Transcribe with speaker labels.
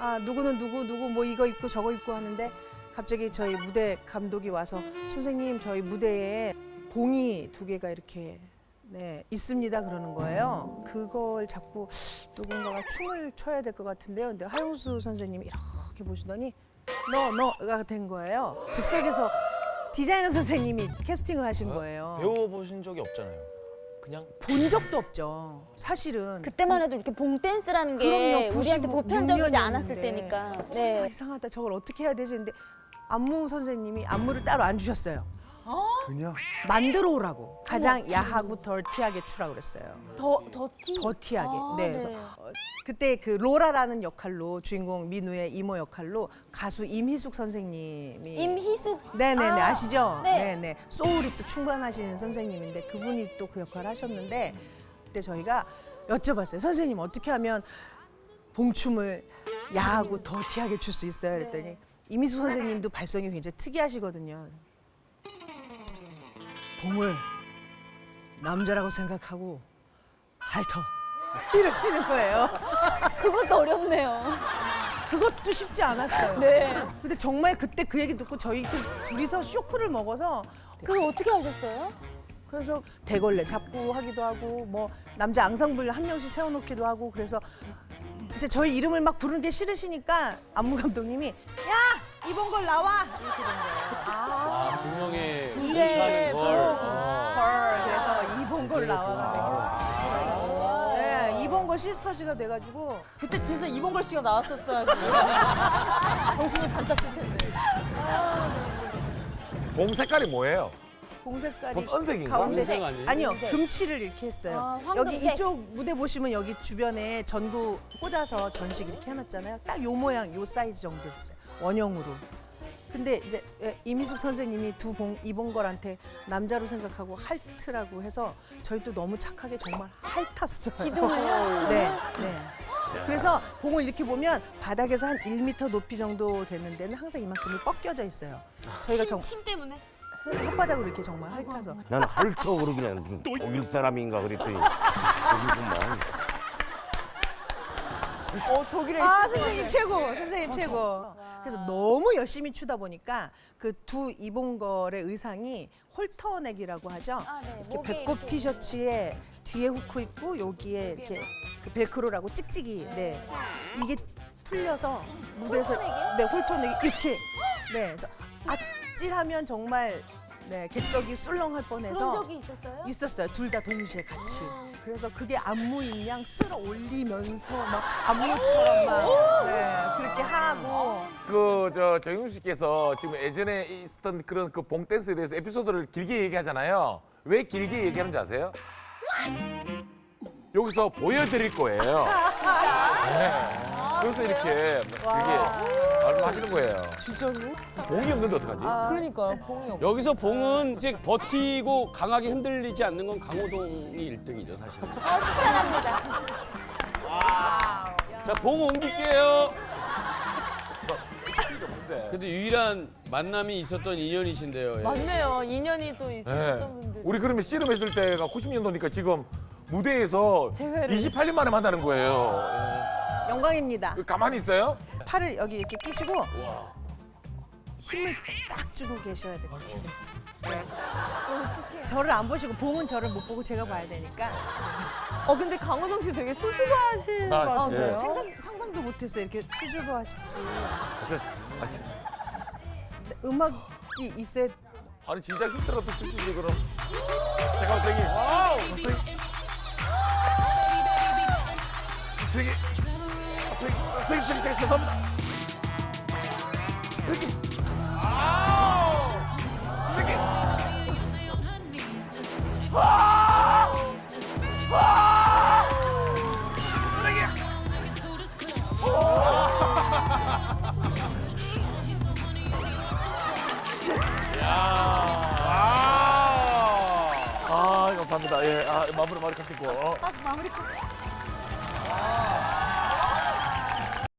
Speaker 1: 아 누구는 누구 뭐 이거 입고 저거 입고 하는데 갑자기 저희 무대 감독이 와서 선생님 저희 무대에 봉이 2개가 이렇게 네 있습니다 그러는 거예요. 그걸 자꾸 누군가가 춤을 춰야 될 것 같은데요. 근데 하용수 선생님이 이렇게 보시더니 너가 된 거예요. 즉석에서 디자이너 선생님이 캐스팅을 하신 거예요.
Speaker 2: 배워보신 적이 없잖아요. 그냥
Speaker 1: 본 적도 없죠. 사실은.
Speaker 3: 그때만 해도 이렇게 봉 댄스라는 게
Speaker 1: 그럼요,
Speaker 3: 우리한테
Speaker 1: 96
Speaker 3: 보편적이지 않았을
Speaker 1: 년이었는데.
Speaker 3: 때니까.
Speaker 1: 아,
Speaker 3: 네.
Speaker 1: 이상하다. 저걸 어떻게 해야 되지? 근데 안무 선생님이 안무를 따로 안 주셨어요.
Speaker 4: 그냥
Speaker 1: 만들어 오라고. 가장 야하고 덜티하게 추라고 그랬어요.
Speaker 3: 더티.
Speaker 1: 더티하게.
Speaker 3: 아,
Speaker 1: 네.
Speaker 3: 네.
Speaker 1: 그래서 그때 그 로라라는 역할로 주인공 민우의 이모 역할로 가수 임희숙 선생님이
Speaker 3: 임희숙.
Speaker 1: 네네네 아시죠?
Speaker 3: 네.
Speaker 1: 네네 소울이 또 충만하시는 선생님인데 그분이 또 그 역할을 하셨는데 그때 저희가 여쭤봤어요. 선생님 어떻게 하면 봉춤을 야하고 더티하게 출 수 있어요? 그랬더니 임희숙 선생님도 발성이 굉장히 특이하시거든요. 봉을 남자라고 생각하고 핥어 이러시는 거예요.
Speaker 3: 그것도 어렵네요.
Speaker 1: 그것도 쉽지 않았어요.
Speaker 3: 네.
Speaker 1: 근데 정말 그때 그 얘기 듣고 저희 둘이서 쇼크를 먹어서
Speaker 3: 그걸 어떻게 하셨어요?
Speaker 1: 그래서 대걸레 잡고 하기도 하고 뭐 남자 앙상블 한 명씩 세워놓기도 하고 그래서 이제 저희 이름을 막 부르는 게 싫으시니까 안무 감독님이 야 이번 걸 나와 이렇게 된 거예요.
Speaker 2: 아, 분명히
Speaker 1: 네,
Speaker 2: 걸.
Speaker 1: 걸 그래서 이번 걸 나와가지고 네 이번 걸 시스터즈가 돼가지고
Speaker 5: 그때 진짜 이봉걸 씨가 나왔었어야지. 정신이 반짝 뜰 텐데.
Speaker 6: 봉 색깔이 뭐예요?
Speaker 1: 봉 색깔이
Speaker 6: 본 은색인가?
Speaker 1: 가운데
Speaker 2: 은색 아니에요?
Speaker 1: 아니요 금칠을 이렇게 했어요.
Speaker 3: 아,
Speaker 1: 여기
Speaker 3: 황금색.
Speaker 1: 이쪽 무대 보시면 여기 주변에 전구 꽂아서 전식 이렇게 해놨잖아요. 딱 요 모양 요 사이즈 정도 됐어요. 원형으로. 근데 이제 임희숙 선생님이 이봉걸한테 남자로 생각하고 핥으라고 해서 저희 또 너무 착하게 정말 핥았어요.
Speaker 3: 기둥을요?
Speaker 1: 네, 네. 그래서 봉을 이렇게 보면 바닥에서 한 1m 높이 정도 되는 데는 항상 이만큼이 꺾여져 있어요. 저희가
Speaker 5: 침 때문에?
Speaker 1: 혓바닥으로 이렇게 정말 핥아서.
Speaker 4: 나는 헐터 그러길래 무슨 독일 사람인가 그랬더니 독일구만.
Speaker 5: 독일에
Speaker 1: 아 선생님 최고, 선생님 최고. 그래서 너무 열심히 추다 보니까 그 두 이봉걸의 의상이 홀터넥이라고 하죠.
Speaker 3: 아, 네.
Speaker 1: 이렇게
Speaker 3: 목에
Speaker 1: 배꼽
Speaker 3: 이렇게.
Speaker 1: 티셔츠에 뒤에 후크 있고 여기에 이렇게 그 벨크로라고 찍찍이. 네. 이게 풀려서 무대에서
Speaker 3: 홀터넥이요?
Speaker 1: 네 홀터넥이 이렇게. 네. 그래서 아찔하면 정말 네 객석이 술렁할 뻔해서.
Speaker 3: 그런 적이 있었어요?
Speaker 1: 있었어요. 둘 다 동시에 같이. 그래서 그게 안무인 양 쓸어 올리면서 막 안무처럼 막 네, 그렇게 하고
Speaker 6: 정윤 씨께서 지금 예전에 있었던 그런 그 봉 댄스에 대해서 에피소드를 길게 얘기하잖아요. 왜 길게 얘기하는지 아세요? 여기서 보여드릴 거예요. 네. 그래서 이렇게 길게 말씀하시는 거예요.
Speaker 5: 진짜로?
Speaker 6: 봉이 없는데 어떡하지?
Speaker 5: 그러니까 봉이 없.
Speaker 2: 여기서 봉은 이제 버티고 강하게 흔들리지 않는 건 강호동이 1등이죠, 사실.
Speaker 3: 축하합니다.
Speaker 2: 자, 봉 옮길게요.
Speaker 6: 네.
Speaker 2: 근데 유일한 만남이 있었던 인연이신데요. 예.
Speaker 5: 맞네요. 인연이 또
Speaker 6: 네.
Speaker 5: 있으셨던 분들.
Speaker 6: 우리 그러면 씨름했을 때가 90년도니까 지금 무대에서
Speaker 5: 재회를.
Speaker 6: 28년 만에 만나는 거예요.
Speaker 1: 영광입니다.
Speaker 6: 가만히 있어요?
Speaker 1: 팔을 여기 이렇게 끼시고 힘을 딱 주고 계셔야 돼요. 네. 저를 안 보시고 봉은 저를 못 보고 제가 봐야 되니까
Speaker 5: 근데 강호동 씨 되게 수줍어하실 것
Speaker 6: 아,
Speaker 5: 같아요.
Speaker 6: 예.
Speaker 1: 상상도 못했어요. 이렇게 수줍어 하실지. 음악이 있어야
Speaker 6: 아니 진짜 힘들어도 치시지 그럼. 잠깐만 선생님. 선생님 제가 죄송합니다. 선생님. 선생님. 감사합니다. 예, 마무리 마무리 하시고.
Speaker 3: 마무리.